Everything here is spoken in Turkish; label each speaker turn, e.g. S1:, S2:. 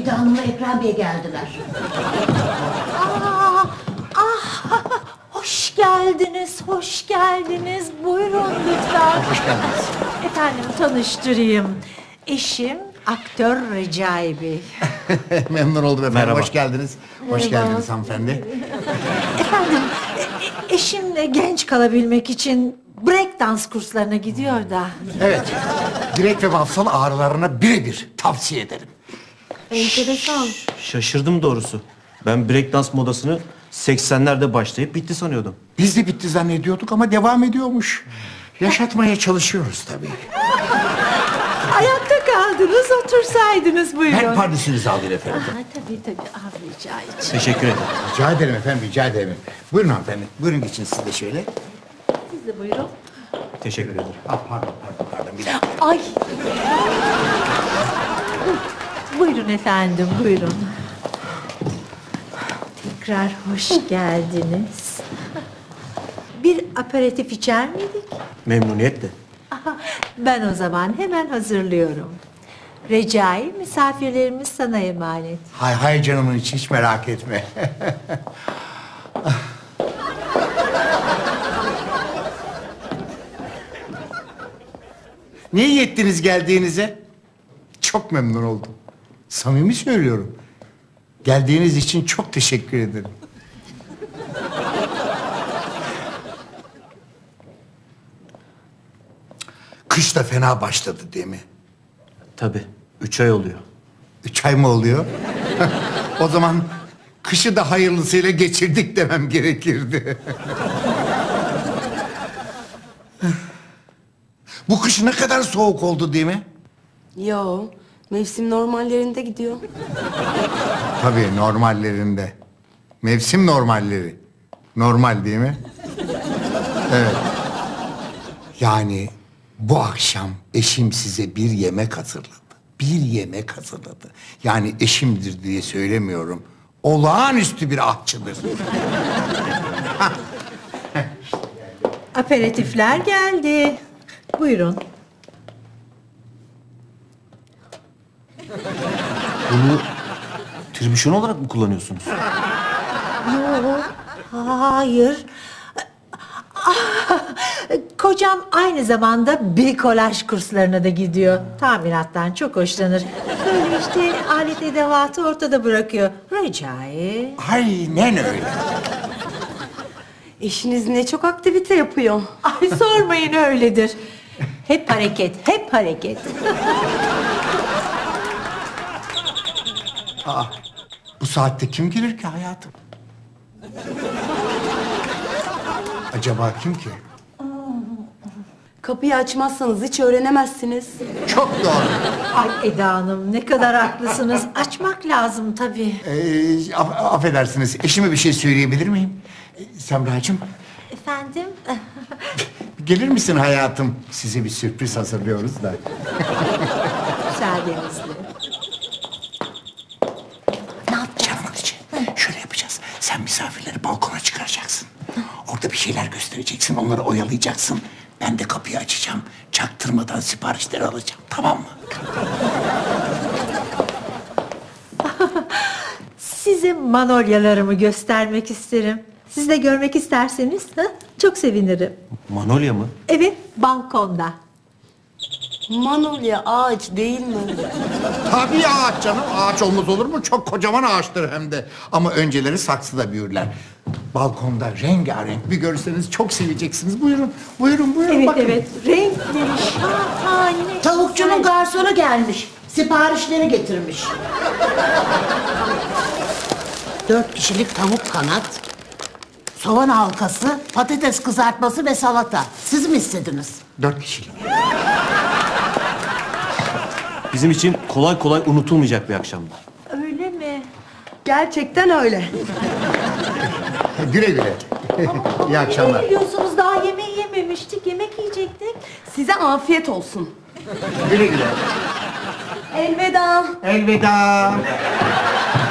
S1: Eda Hanım'la Ekrem Bey geldiler.
S2: Hoş geldiniz, hoş geldiniz. Buyurun lütfen.
S3: Hoş geldiniz.
S2: Efendim tanıştırayım. Eşim aktör Recai Bey.
S3: Memnun oldum efendim.
S4: Merhaba.
S3: Hoş geldiniz. Hoş geldiniz hanımefendi.
S2: Efendim eşimle genç kalabilmek için break dans kurslarına gidiyor da.
S3: Evet. Direkt ve mafsal ağrılarına birebir tavsiye ederim.
S2: Enteresan.
S4: Şaşırdım doğrusu. Ben breakdance modasını 80'lerde başlayıp bitti sanıyordum.
S3: Biz de bitti zannediyorduk ama devam ediyormuş. Yaşatmaya çalışıyoruz tabii.
S2: Ayakta kaldınız, otursaydınız buyurun.
S3: Ben pardesünüzü alayım efendim.
S2: Tabii rica için.
S4: Teşekkür ederim.
S3: Rica ederim efendim, rica ederim. Buyurun hanımefendi. Buyurun geçin siz de şöyle.
S2: Siz de buyurun.
S4: Teşekkür ederim.
S3: Pardon. Bir dakika.
S2: Ay. Buyurun efendim, buyurun. Tekrar hoş geldiniz. Bir aperatif içer miydik?
S4: Memnuniyetle.
S2: Ben o zaman hemen hazırlıyorum. Recai, misafirlerimiz sana emanet.
S3: Hay canımın içi, hiç merak etme. Ne iyi ettiniz geldiğinize? Çok memnun oldum. Samimi söylüyorum. Geldiğiniz için çok teşekkür ederim. Kış da fena başladı değil mi?
S4: Tabii. 3 ay oluyor.
S3: 3 ay mı oluyor? O zaman kışı da hayırlısıyla geçirdik demem gerekirdi. Bu kış ne kadar soğuk oldu değil mi?
S5: Yo, mevsim normallerinde gidiyor.
S3: Tabii normallerinde. Mevsim normalleri. Normal değil mi? Evet. Yani bu akşam eşim size bir yemek hazırladı. Bir yemek hazırladı. Yani eşimdir diye söylemiyorum. Olağanüstü bir aşçıdır.
S2: Aperatifler geldi. Buyurun.
S4: Bunu tribüşon olarak mı kullanıyorsunuz?
S2: Hayır. Kocam aynı zamanda brikolaj kurslarına da gidiyor. Tamirattan çok hoşlanır. Böyle işte alet edevatı ortada bırakıyor. Recai.
S3: Aynen öyle.
S5: Eşiniz ne çok aktivite yapıyor.
S2: Ay sormayın öyledir. Hep hareket, hep hareket.
S3: Bu saatte kim gelir ki hayatım? Acaba kim ki?
S5: Kapıyı açmazsanız hiç öğrenemezsiniz.
S3: Çok doğru.
S2: Ay Eda Hanım ne kadar haklısınız. Açmak lazım tabii.
S3: Affedersiniz, eşime bir şey söyleyebilir miyim? Semracığım,
S2: Efendim?
S3: gelir misin hayatım? Size bir sürpriz hazırlıyoruz da.
S2: Müsaadenizle.
S3: Canımın içi. Şöyle yapacağız. Sen misafirleri balkona çıkaracaksın. Orada bir şeyler göstereceksin, onları oyalayacaksın. Ben de kapıyı açacağım. Çaktırmadan siparişleri alacağım. Tamam mı?
S2: Size manolyalarımı göstermek isterim. Siz de görmek isterseniz çok sevinirim.
S4: Manolya mı?
S2: Evet, balkonda.
S5: Manolya ağaç değil mi?
S3: Tabii ağaç canım. Ağaç olmaz olur mu? Çok kocaman ağaçtır hem de. Ama önceleri saksıda büyürler. Balkonda rengarenk bir görseniz çok seveceksiniz. Buyurun,
S2: Evet,
S3: bakın.
S2: evet. Renkleri şahane.
S1: Tavukçunun garsonu gelmiş. Siparişleri getirmiş. 4 kişilik tavuk kanat, soğan halkası, patates kızartması ve salata. Siz mi istediniz?
S3: 4 kişilik.
S4: Bizim için kolay kolay unutulmayacak bir akşamdı.
S2: Öyle mi?
S5: Gerçekten öyle.
S3: Güle güle. İyi akşamlar.
S2: Ne biliyorsunuz daha yemeği yememiştik. Yemek yiyecektik.
S5: Size afiyet olsun.
S3: Güle güle.
S5: Elveda.
S3: Elveda.